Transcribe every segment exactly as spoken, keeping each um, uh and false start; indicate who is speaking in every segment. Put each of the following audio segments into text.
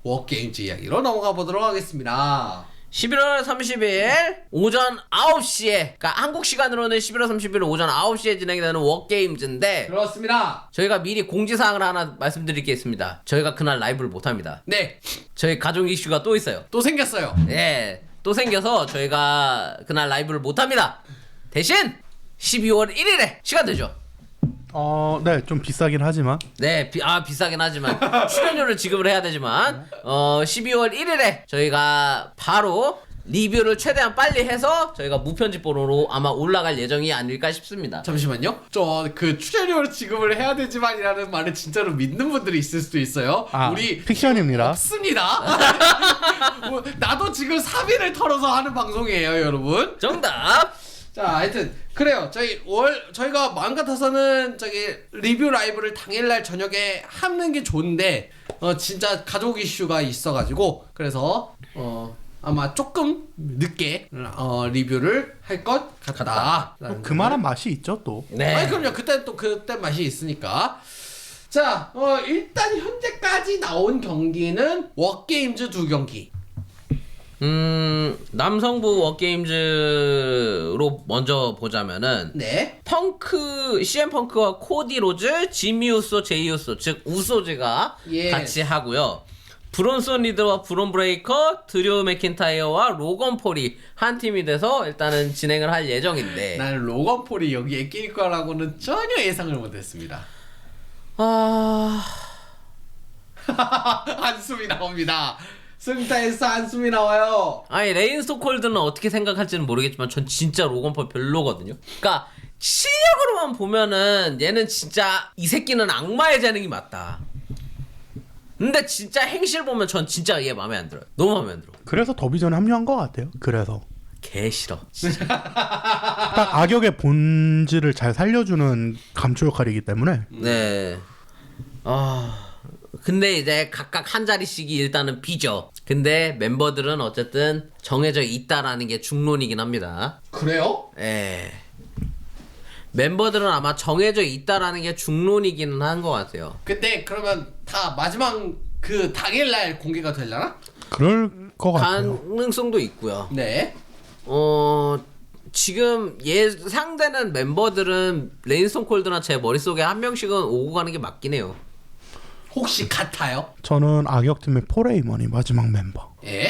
Speaker 1: 워게임즈 이야기로 넘어가 보도록 하겠습니다.
Speaker 2: 십일월 삼십일 오전 아홉 시에, 그러니까 한국 시간으로는 십일월 삼십일 오전 아홉 시에 진행이 되는 워게임즈인데,
Speaker 1: 그렇습니다.
Speaker 2: 저희가 미리 공지사항을 하나 말씀드릴 게 있습니다. 저희가 그날 라이브를 못합니다.
Speaker 1: 네,
Speaker 2: 저희 가족 이슈가 또 있어요.
Speaker 1: 또 생겼어요.
Speaker 2: 예, 또 생겨서 저희가 그날 라이브를 못합니다. 대신 십이월 일일에 시간 되죠.
Speaker 3: 어, 네, 좀 비싸긴 하지만.
Speaker 2: 네, 비, 아 비싸긴 하지만 출연료를 지급을 해야 되지만 어 십이월 일일에 저희가 바로 리뷰를 최대한 빨리 해서 저희가 무편집본으로 아마 올라갈 예정이 아닐까 싶습니다.
Speaker 1: 잠시만요. 저 그 출연료를 지급을 해야 되지만이라는 말을 진짜로 믿는 분들이 있을 수도 있어요.
Speaker 3: 아,
Speaker 1: 우리
Speaker 3: 픽션입니다.
Speaker 1: 없습니다. 뭐, 나도 지금 사비를 털어서 하는 방송이에요, 여러분.
Speaker 2: 정답.
Speaker 1: 자, 하여튼 그래요. 저희 월 저희가 마음 같아서는 저기 리뷰 라이브를 당일날 저녁에 하는 게 좋은데 어 진짜 가족 이슈가 있어가지고 그래서 어 아마 조금 늦게 어 리뷰를 할 것 같다.
Speaker 3: 그만한 맛이 있죠, 또.
Speaker 2: 네.
Speaker 1: 아니 그럼요. 그때 또 그때 맛이 있으니까. 자, 어 일단 현재까지 나온 경기는 워게임즈 두 경기.
Speaker 2: 음 남성부 워게임즈로 먼저 보자면은
Speaker 1: 네.
Speaker 2: 펑크 씨엠 펑크와 코디 로즈, 지미 우소, 제이 우소 즉 우소즈가
Speaker 1: 예.
Speaker 2: 같이 하고요. 브론슨 리드와 브론 브레이커, 드류 맥킨타이어와 로건 폴이 한 팀이 돼서 일단은 진행을 할 예정인데.
Speaker 1: 난 로건 폴이 여기에 낄 거라고는 전혀 예상을 못했습니다.
Speaker 2: 아
Speaker 1: 한숨이 나옵니다. 승타에서 한숨이 나와요.
Speaker 2: 아니 레인 스토콜드는 어떻게 생각할지는 모르겠지만 전 진짜 로건 폴 별로거든요. 그러니까 실력으로만 보면은 얘는 진짜 이 새끼는 악마의 재능이 맞다. 근데 진짜 행실 보면 전 진짜 얘 마음에 안 들어요. 너무 마음에 안 들어.
Speaker 3: 그래서 더비전에 합류한 것 같아요. 그래서.
Speaker 2: 개 싫어. 진짜.
Speaker 3: 딱 악역의 본질을 잘 살려주는 감초 역할이기 때문에.
Speaker 2: 네. 아 근데 이제 각각 한 자리씩이 일단은 비죠. 근데 멤버들은 어쨌든 정해져 있다라는 게 중론이긴 합니다.
Speaker 1: 그래요?
Speaker 2: 예. 멤버들은 아마 정해져 있다라는 게 중론이기는 한 것 같아요.
Speaker 1: 근데 그러면 다 마지막 그 당일날 공개가 되려나?
Speaker 3: 그럴 것 같아요.
Speaker 2: 가능성도 있고요.
Speaker 1: 네.
Speaker 2: 어 지금 예상되는 멤버들은 레인스톤 콜드나 제 머릿속에 한 명씩은 오고 가는 게 맞긴 해요.
Speaker 1: 혹시 같아요?
Speaker 3: 저는 악역팀의 폴레이먼이 마지막 멤버.
Speaker 1: 예?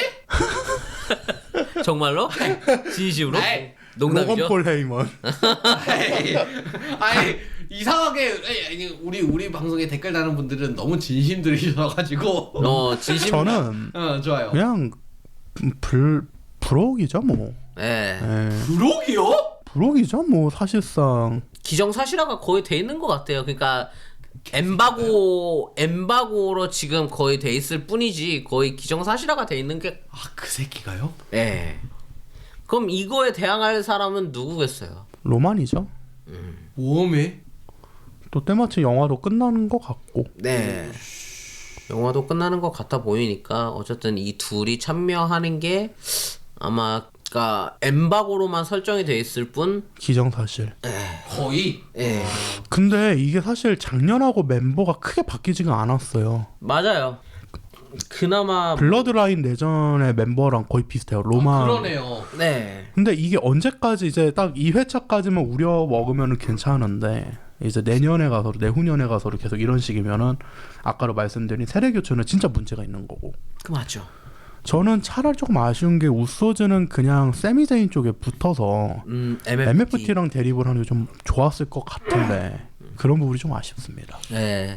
Speaker 2: 정말로? 진심으로?
Speaker 1: 아이,
Speaker 2: 농담이죠?
Speaker 3: 로건 폴레이먼.
Speaker 1: 아이, 아이 이상하게 아니, 우리 우리 방송에 댓글 다는 분들은 너무 진심들이셔가지고
Speaker 2: 어 진심.
Speaker 3: 저는
Speaker 1: 어 좋아요.
Speaker 3: 그냥 불 불혹이죠, 뭐.
Speaker 2: 예.
Speaker 3: 예.
Speaker 1: 부록이요?
Speaker 3: 불혹이죠, 뭐 사실상.
Speaker 2: 기정사실화가 거의 돼 있는 것 같아요. 그러니까 엠바고 엠바고로 지금 거의 돼 있을 뿐이지 거의 기정사실화가 돼 있는 게.
Speaker 1: 아 그 새끼가요?
Speaker 2: 예. 그럼 이거에 대항할 사람은 누구겠어요?
Speaker 3: 로만이죠.
Speaker 1: 웜에?
Speaker 3: 또 때마침 영화도 끝나는 것 같고.
Speaker 2: 네. 영화도 끝나는 것 같아 보이니까 어쨌든 이 둘이 참여하는 게 아마 그러니까 엠바고로만 설정이 돼 있을 뿐.
Speaker 3: 기정사실.
Speaker 1: 거의?
Speaker 2: 예.
Speaker 3: 근데 이게 사실 작년하고 멤버가 크게 바뀌지가 않았어요.
Speaker 2: 맞아요. 그나마
Speaker 3: 블러드라인 내전의 멤버랑 거의 비슷해요. 로만.
Speaker 1: 아, 그러네요.
Speaker 2: 네.
Speaker 3: 근데 이게 언제까지 이제 딱 이 회차까지만 우려 먹으면 괜찮은데 이제 내년에 가서 내후년에 가서 계속 이런 식이면은 아까로 말씀드린 세대 교체는 진짜 문제가 있는 거고.
Speaker 2: 그 맞죠.
Speaker 3: 저는 차라리 조금 아쉬운 게 우소즈는 그냥 세미제인 쪽에 붙어서
Speaker 2: 음, 엠에프티.
Speaker 3: 엠에프티랑 대립을 하는 게 좀 좋았을 것 같은데 그런 부분이 좀 아쉽습니다.
Speaker 2: 네.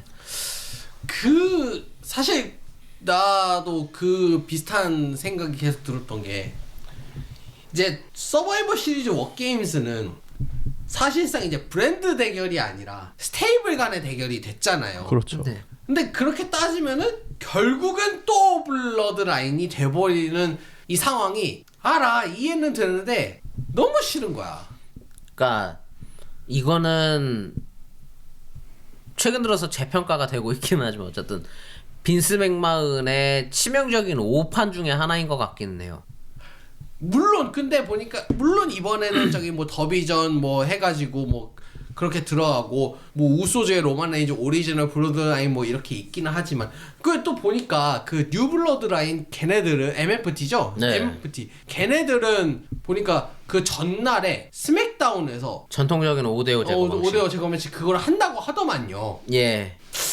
Speaker 1: 그 사실 나도 그 비슷한 생각이 계속 들었던 게 이제 서바이벌 시리즈 워게임스는 사실상 이제 브랜드 대결이 아니라 스테이블 간의 대결이 됐잖아요.
Speaker 3: 그렇죠.
Speaker 2: 네.
Speaker 1: 근데 그렇게 따지면은 결국은 또 블러드라인이 돼버리는 이 상황이 알아 이해는 되는데 너무 싫은 거야.
Speaker 2: 그러니까 이거는 최근 들어서 재평가가 되고 있기는 하지만 어쨌든 빈스 맥마은의 치명적인 오판 중에 하나인 것 같기는 해요.
Speaker 1: 물론 근데 보니까 물론 이번에는 저기 뭐 더비전 뭐 해가지고 뭐 그렇게 들어가고 뭐 우소즈의 로만 레인즈 오리지널 블러드라인 뭐 이렇게 있기는 하지만 그 또 보니까 그 뉴 블러드라인 걔네들은 엠에프티죠?
Speaker 2: 네.
Speaker 1: 엠에프티 걔네들은 보니까 그 전날에 스맥다운에서
Speaker 2: 전통적인 오 대 오 제거
Speaker 1: 어,
Speaker 2: 방식.
Speaker 1: 오 대 오 제거 매치 그걸 한다고 하더만요.
Speaker 2: 예.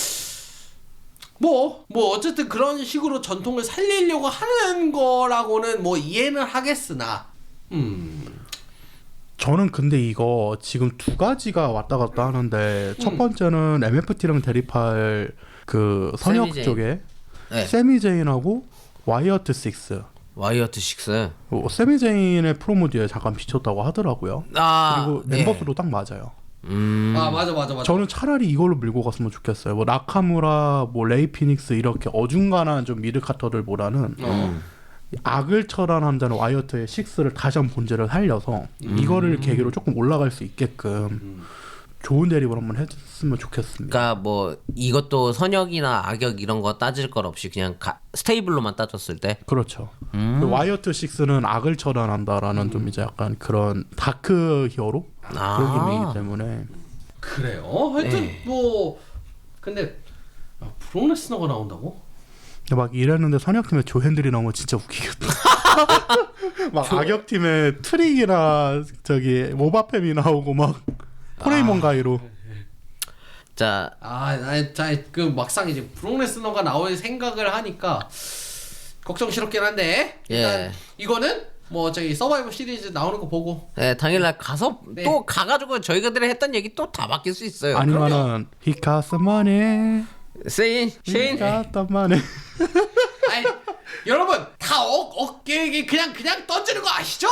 Speaker 1: 뭐, 뭐, 어쨌든 그런 식으로 전통을 살리려고 하는 거라고는 뭐 이해는 하겠으나, 음.
Speaker 3: 저는 근데 이거 지금 두 가지가 왔다 갔다 하는데
Speaker 1: 음.
Speaker 3: 첫 번째는 엠에프티랑 대립할 그 선역
Speaker 2: 세미제인.
Speaker 3: 쪽에
Speaker 2: 네.
Speaker 3: 세미제인하고 와이어트 식스.
Speaker 2: 와이어트 식스.
Speaker 3: 어, 세미제인의 프로모디에 잠깐 비쳤다고 하더라고요.
Speaker 2: 아.
Speaker 3: 그리고
Speaker 2: 예.
Speaker 3: 멤버수도 딱 맞아요.
Speaker 2: 음.
Speaker 1: 아, 맞아, 맞아, 맞아.
Speaker 3: 저는 차라리 이걸로 밀고 갔으면 좋겠어요. 뭐 나카무라, 뭐 레이 피닉스 이렇게 어중간한 좀 미드카터들보다는
Speaker 1: 어.
Speaker 3: 악을 처단한다는 와이어트의 식스를 다시 한번 본질을 살려서
Speaker 2: 음.
Speaker 3: 이거를 계기로 조금 올라갈 수 있게끔 좋은 대립을 한번 했으면 좋겠습니다.
Speaker 2: 그러니까 뭐 이것도 선역이나 악역 이런 거 따질 것 없이 그냥 가, 스테이블로만 따졌을 때.
Speaker 3: 그렇죠.
Speaker 2: 음.
Speaker 3: 그 와이어트 식스는 악을 처단한다라는 좀 이제 약간 그런 다크 히어로
Speaker 2: 아.
Speaker 3: 그런 기믹이기 때문에
Speaker 1: 그래요? 하여튼,
Speaker 2: 네.
Speaker 1: 뭐, 근데, 아, 브록 레스너가 나온다고?
Speaker 3: 막 이랬는데 선역팀에 조핸들이 나오면 진짜 웃기겠다. 막 악역팀에 트릭이나 저기 모바팸이 나오고 막 포레이몬 가이로
Speaker 2: 자,
Speaker 1: 아, 나, 자, 그 막상 이제 브록 레스너가 나올 생각을 하니까 걱정스럽긴 한데, 일단
Speaker 2: 예.
Speaker 1: 이거는 뭐 저기 서바이벌 시리즈 나오는 거 보고
Speaker 2: 네, 당일날 가서
Speaker 1: 네.
Speaker 2: 또 가가지고 저희가들이 했던 얘기 또 다 바뀔 수 있어요.
Speaker 3: 아니면은 He got some money,
Speaker 2: 세인,
Speaker 3: he
Speaker 2: 쉐인.
Speaker 3: got the money.
Speaker 1: 아니 여러분 다 어, 어깨에 그냥 그냥 던지는 거 아시죠?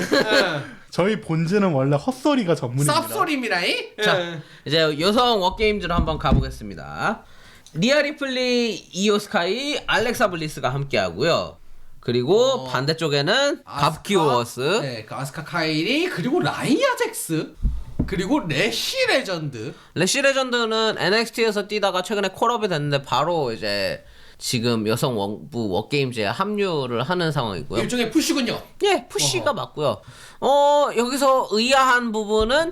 Speaker 3: 저희 본즈는 원래 헛소리가 전문입니다.
Speaker 1: 쌉소리입니다이.
Speaker 2: 자, 이제 여성 워게임즈로 한번 가보겠습니다. 리아 리플리, 이오 스카이, 알렉사 블리스가 함께하고요. 그리고
Speaker 1: 어.
Speaker 2: 반대쪽에는 갑키 워스.
Speaker 1: 네, 그 아스카 카이리 그리고 라이아 잭스 그리고 레시 레전드.
Speaker 2: 레시 레전드는 엔엑스티에서 뛰다가 최근에 콜업이 됐는데 바로 이제 지금 여성 원부 워게임즈에 합류를 하는 상황이고요.
Speaker 1: 일종의 푸시군요.
Speaker 2: 예, 푸시가 맞고요. 어, 여기서 의아한 부분은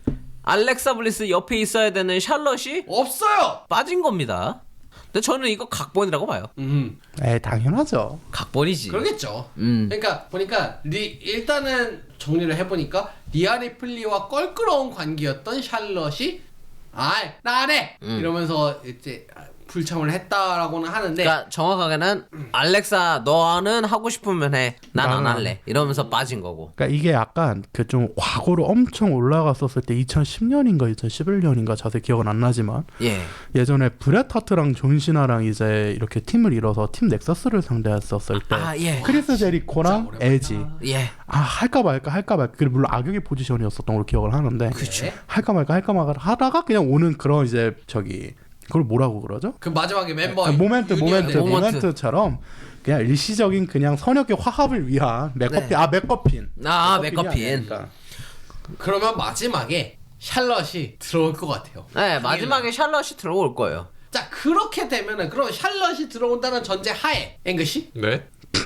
Speaker 2: 알렉사 블리스 옆에 있어야 되는 샬럿이
Speaker 1: 없어요.
Speaker 2: 빠진 겁니다. 근데 저는 이거 각본이라고 봐요.
Speaker 1: 음,
Speaker 3: 에 당연하죠.
Speaker 2: 각본이지.
Speaker 1: 그러겠죠.
Speaker 2: 음.
Speaker 1: 그러니까 보니까 리, 일단은 정리를 해보니까 리아 리플리와 껄끄러운 관계였던 샬럿이 아, 나 안 해.
Speaker 2: 음.
Speaker 1: 이러면서 이제 불참을 했다라고는 하는데.
Speaker 2: 그러니까 정확하게는 알렉사 너는 하고 싶으면 해. 난 안
Speaker 3: 나는
Speaker 2: 할래. 이러면서 빠진 거고.
Speaker 3: 그러니까 이게 약간 그 좀 과거로 엄청 올라갔었을 때 이천십 년인가 이천십일 년인가 자세히 기억은 안 나지만
Speaker 2: 예.
Speaker 3: 예전에 브렛 하트랑 존 시나랑 이제 이렇게 팀을 이뤄서 팀 넥서스를 상대했었을 때
Speaker 2: 아, 예.
Speaker 3: 크리스 제리코랑
Speaker 1: 오랜만이다.
Speaker 3: 에지
Speaker 2: 예.
Speaker 3: 아 할까 말까 할까 말까 그리고 물론 악역의 포지션이었었던 걸로 기억을 하는데
Speaker 1: 그쵸.
Speaker 3: 할까 말까 할까 말까 하다가 그냥 오는 그런 이제 저기 그걸 뭐라고 그러죠?
Speaker 1: 그 마지막에 멤버
Speaker 3: 아, 모멘트 모멘트
Speaker 1: 유니언.
Speaker 2: 모멘트.
Speaker 3: 모멘트처럼 그냥 일시적인 그냥 선역의 화합을 위한 맥커핀
Speaker 2: 네.
Speaker 3: 아 맥커핀
Speaker 2: 아,
Speaker 3: 맥커핀이
Speaker 2: 맥커핀.
Speaker 3: 아니니까.
Speaker 1: 그러면 마지막에 샬럿이 들어올 것 같아요.
Speaker 2: 네, 마지막에 샬럿이 들어올 거예요.
Speaker 1: 자 그렇게 되면은 그럼 샬럿이 들어온다는 전제 하에 앵글씨
Speaker 4: 네.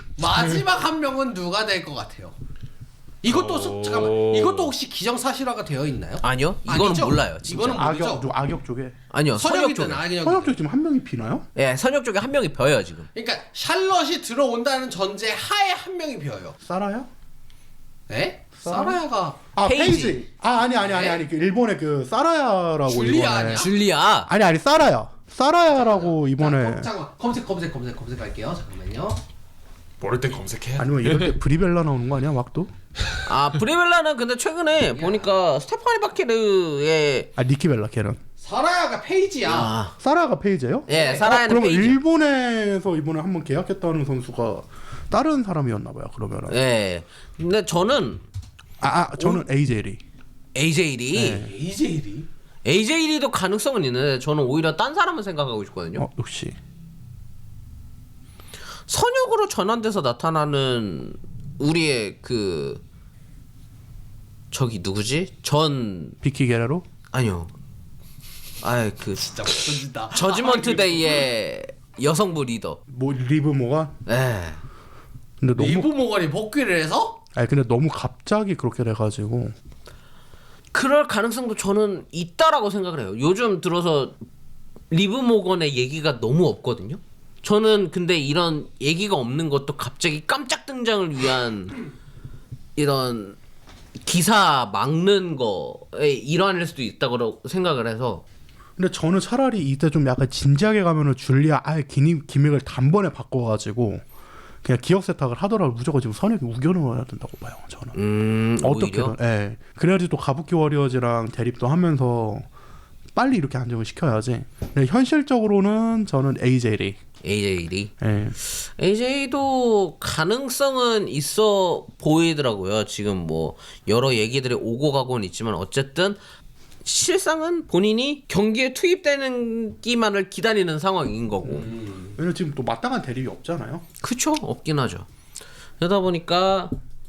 Speaker 1: 마지막 한 명은 누가 될 것 같아요? 이것도 수,
Speaker 4: 오.
Speaker 1: 잠깐만 이것도 혹시 기정사실화가 되어 있나요?
Speaker 2: 아니요. 이거는
Speaker 1: 아니죠?
Speaker 2: 몰라요. 진짜.
Speaker 1: 이거는 모르죠.
Speaker 3: 악역 누- 악역 쪽에
Speaker 2: 아니요. 선역
Speaker 1: 선역이든
Speaker 2: 쪽에.
Speaker 1: 악역이든.
Speaker 3: 선역 쪽에 지금 한 명이 비나요?
Speaker 2: 예, 선역 쪽에 한 명이 벼요, 지금.
Speaker 1: 그러니까 샬럿이 들어온다는 전제 하에 한 명이 비어요.
Speaker 3: 사라야?
Speaker 1: 에?
Speaker 3: 사라?
Speaker 1: 사라야가
Speaker 3: 아
Speaker 2: 페이지.
Speaker 3: 페이지. 아 아니 아니 아니 아니 그 일본의 그 사라야라고
Speaker 1: 줄리아
Speaker 3: 이번에
Speaker 1: 아니야?
Speaker 2: 줄리아.
Speaker 3: 아니 아니 사라야 사라야라고 이번에
Speaker 1: 자, 검, 잠깐만 검색 검색 검색 검색할게요. 잠깐만요.
Speaker 4: 모를 땐 검색해.
Speaker 3: 아니면 이럴 때 브리벨라 나오는 거 아니야 막도?
Speaker 2: 아, 브리벨라는 근데 최근에 보니까 스테파니 바키르의
Speaker 3: 아 니키벨라 걔는
Speaker 1: 사라야가 페이지야.
Speaker 2: 아,
Speaker 3: 사라가 페이지예요?
Speaker 2: 예,
Speaker 3: 어,
Speaker 2: 사라야는
Speaker 3: 그럼
Speaker 2: 페이지.
Speaker 3: 일본에서 이번에 한번 계약했다는 선수가 다른 사람이었나 봐요 그러면은.
Speaker 2: 예. 근데 저는
Speaker 3: 아, 아 저는 에이제리.
Speaker 2: 에이제일이
Speaker 3: 네.
Speaker 1: 에이제일이
Speaker 2: 에이제일이도 가능성은 있는데 저는 오히려 딴 사람을 생각하고 있거든요.
Speaker 3: 어 역시.
Speaker 2: 선역으로 전환돼서 나타나는 우리의 그 저기 누구지? 전
Speaker 3: 비키 게레로?
Speaker 2: 아니요. 아이 그
Speaker 1: 진짜 못던진다.
Speaker 2: 저지먼트 데이의 여성부 리더.
Speaker 3: 뭐 리브 모가?
Speaker 2: 예.
Speaker 3: 근데 너무
Speaker 1: 리브 모건이 복귀를 해서
Speaker 3: 아니 근데 너무 갑자기 그렇게 돼가지고
Speaker 2: 그 그럴 가능성도 저는 있다라고 생각을 해요. 요즘 들어서 리브 모건의 얘기가 너무 없거든요. 저는 근데 이런 얘기가 없는 것도 갑자기 깜짝 등장을 위한 이런 기사 막는 거의 일환일 수도 있다고 생각을 해서.
Speaker 3: 근데 저는 차라리 이때 좀 약간 진지하게 가면은 줄리아 아예 기믹, 기믹을 단번에 바꿔가지고 그냥 기억 세탁을 하더라도 무조건 지금 선역이 우겨넣어야 된다고 봐요. 저는.
Speaker 2: 음,
Speaker 3: 어떻게든. 예. 그래야지 또 가부키 워리어즈랑 대립도 하면서 빨리 이렇게 안정을 시켜야지. 근데 현실적으로는 저는 에이제이.
Speaker 2: 에이제이.
Speaker 3: 예.
Speaker 2: 에이제이도 가능성은 있어 보이더라고요. 지금 뭐 여러 얘기들이 오고 가고는 있지만 어쨌든 실상은 본인이 경기에 투입되는 기만을 기다리는 상황인 거고.
Speaker 3: 음. 왜냐면 지금 또 마땅한 대립이 없잖아요.
Speaker 2: 그쵸? 없긴 하죠. 그러다 보니까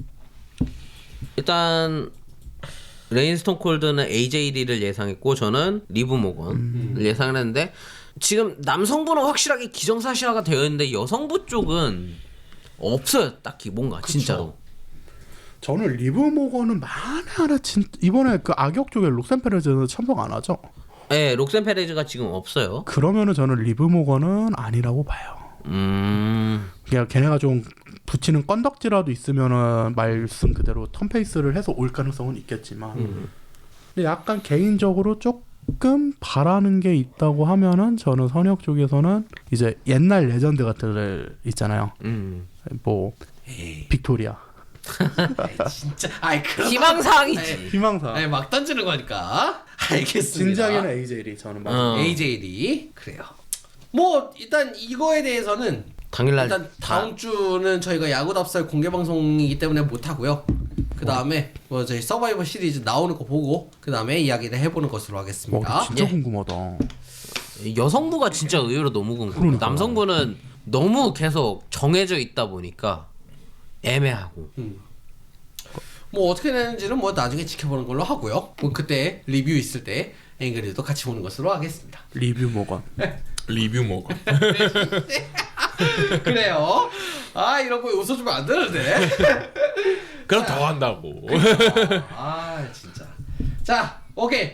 Speaker 2: 일단 레인스톤 콜드는 에이제이를 예상했고 저는 리브 모건을 음. 예상을 했는데 지금 남성부는 확실하게 기정사실화가 되어 있는데 여성부 쪽은 없어요. 딱히 뭔가
Speaker 1: 그쵸.
Speaker 2: 진짜로.
Speaker 3: 저는 리브 모건은 만에 하나 진 이번에 그 악역 쪽에 록센 페레즈는 참석 안 하죠.
Speaker 2: 네, 록센 페레즈가 지금 없어요.
Speaker 3: 그러면은 저는 리브 모건은 아니라고 봐요.
Speaker 2: 음,
Speaker 3: 그냥 걔네가 좀 붙이는 건덕지라도 있으면은 말씀 그대로 턴페이스를 해서 올 가능성은 있겠지만,
Speaker 2: 음.
Speaker 3: 근데 약간 개인적으로 조금 바라는 게 있다고 하면은 저는 선역 쪽에서는 이제 옛날 레전드 같은 애 있잖아요.
Speaker 2: 음.
Speaker 3: 뭐
Speaker 1: 에이,
Speaker 3: 빅토리아,
Speaker 1: 아이, 진짜. 아이 그런.
Speaker 2: 희망사항이지.
Speaker 3: 희망사.
Speaker 1: 아니 막 던지는 거니까. 알겠습니다.
Speaker 3: 진작에는 에이제이 저는 맞아요.
Speaker 2: 어.
Speaker 1: 에이제이 그래요. 뭐 일단 이거에 대해서는
Speaker 2: 당일날
Speaker 1: 일단 다음 주는 저희가 야구답설 공개 방송이기 때문에 못 하고요. 그 다음에 뭐 저희 서바이벌 시리즈 나오는 거 보고 그 다음에 이야기를 해보는 것으로 하겠습니다.
Speaker 3: 와, 진짜
Speaker 2: 예.
Speaker 3: 궁금하다.
Speaker 2: 여성부가 진짜 의외로 너무 궁금해요.
Speaker 3: 그러니까요.
Speaker 2: 남성부는 너무 계속 정해져 있다 보니까 애매하고.
Speaker 1: 뭐 어떻게 되는지는 뭐 나중에 지켜보는 걸로 하고요. 뭐 그때 리뷰 있을 때 앵그리도 같이 보는 것으로 하겠습니다.
Speaker 3: 리뷰 모건.
Speaker 4: 리뷰 먹어.
Speaker 1: 그래요. 아 이런 거 웃어주면 안 되는데.
Speaker 4: 그럼 더 한다고.
Speaker 1: 아 진짜. 자 오케이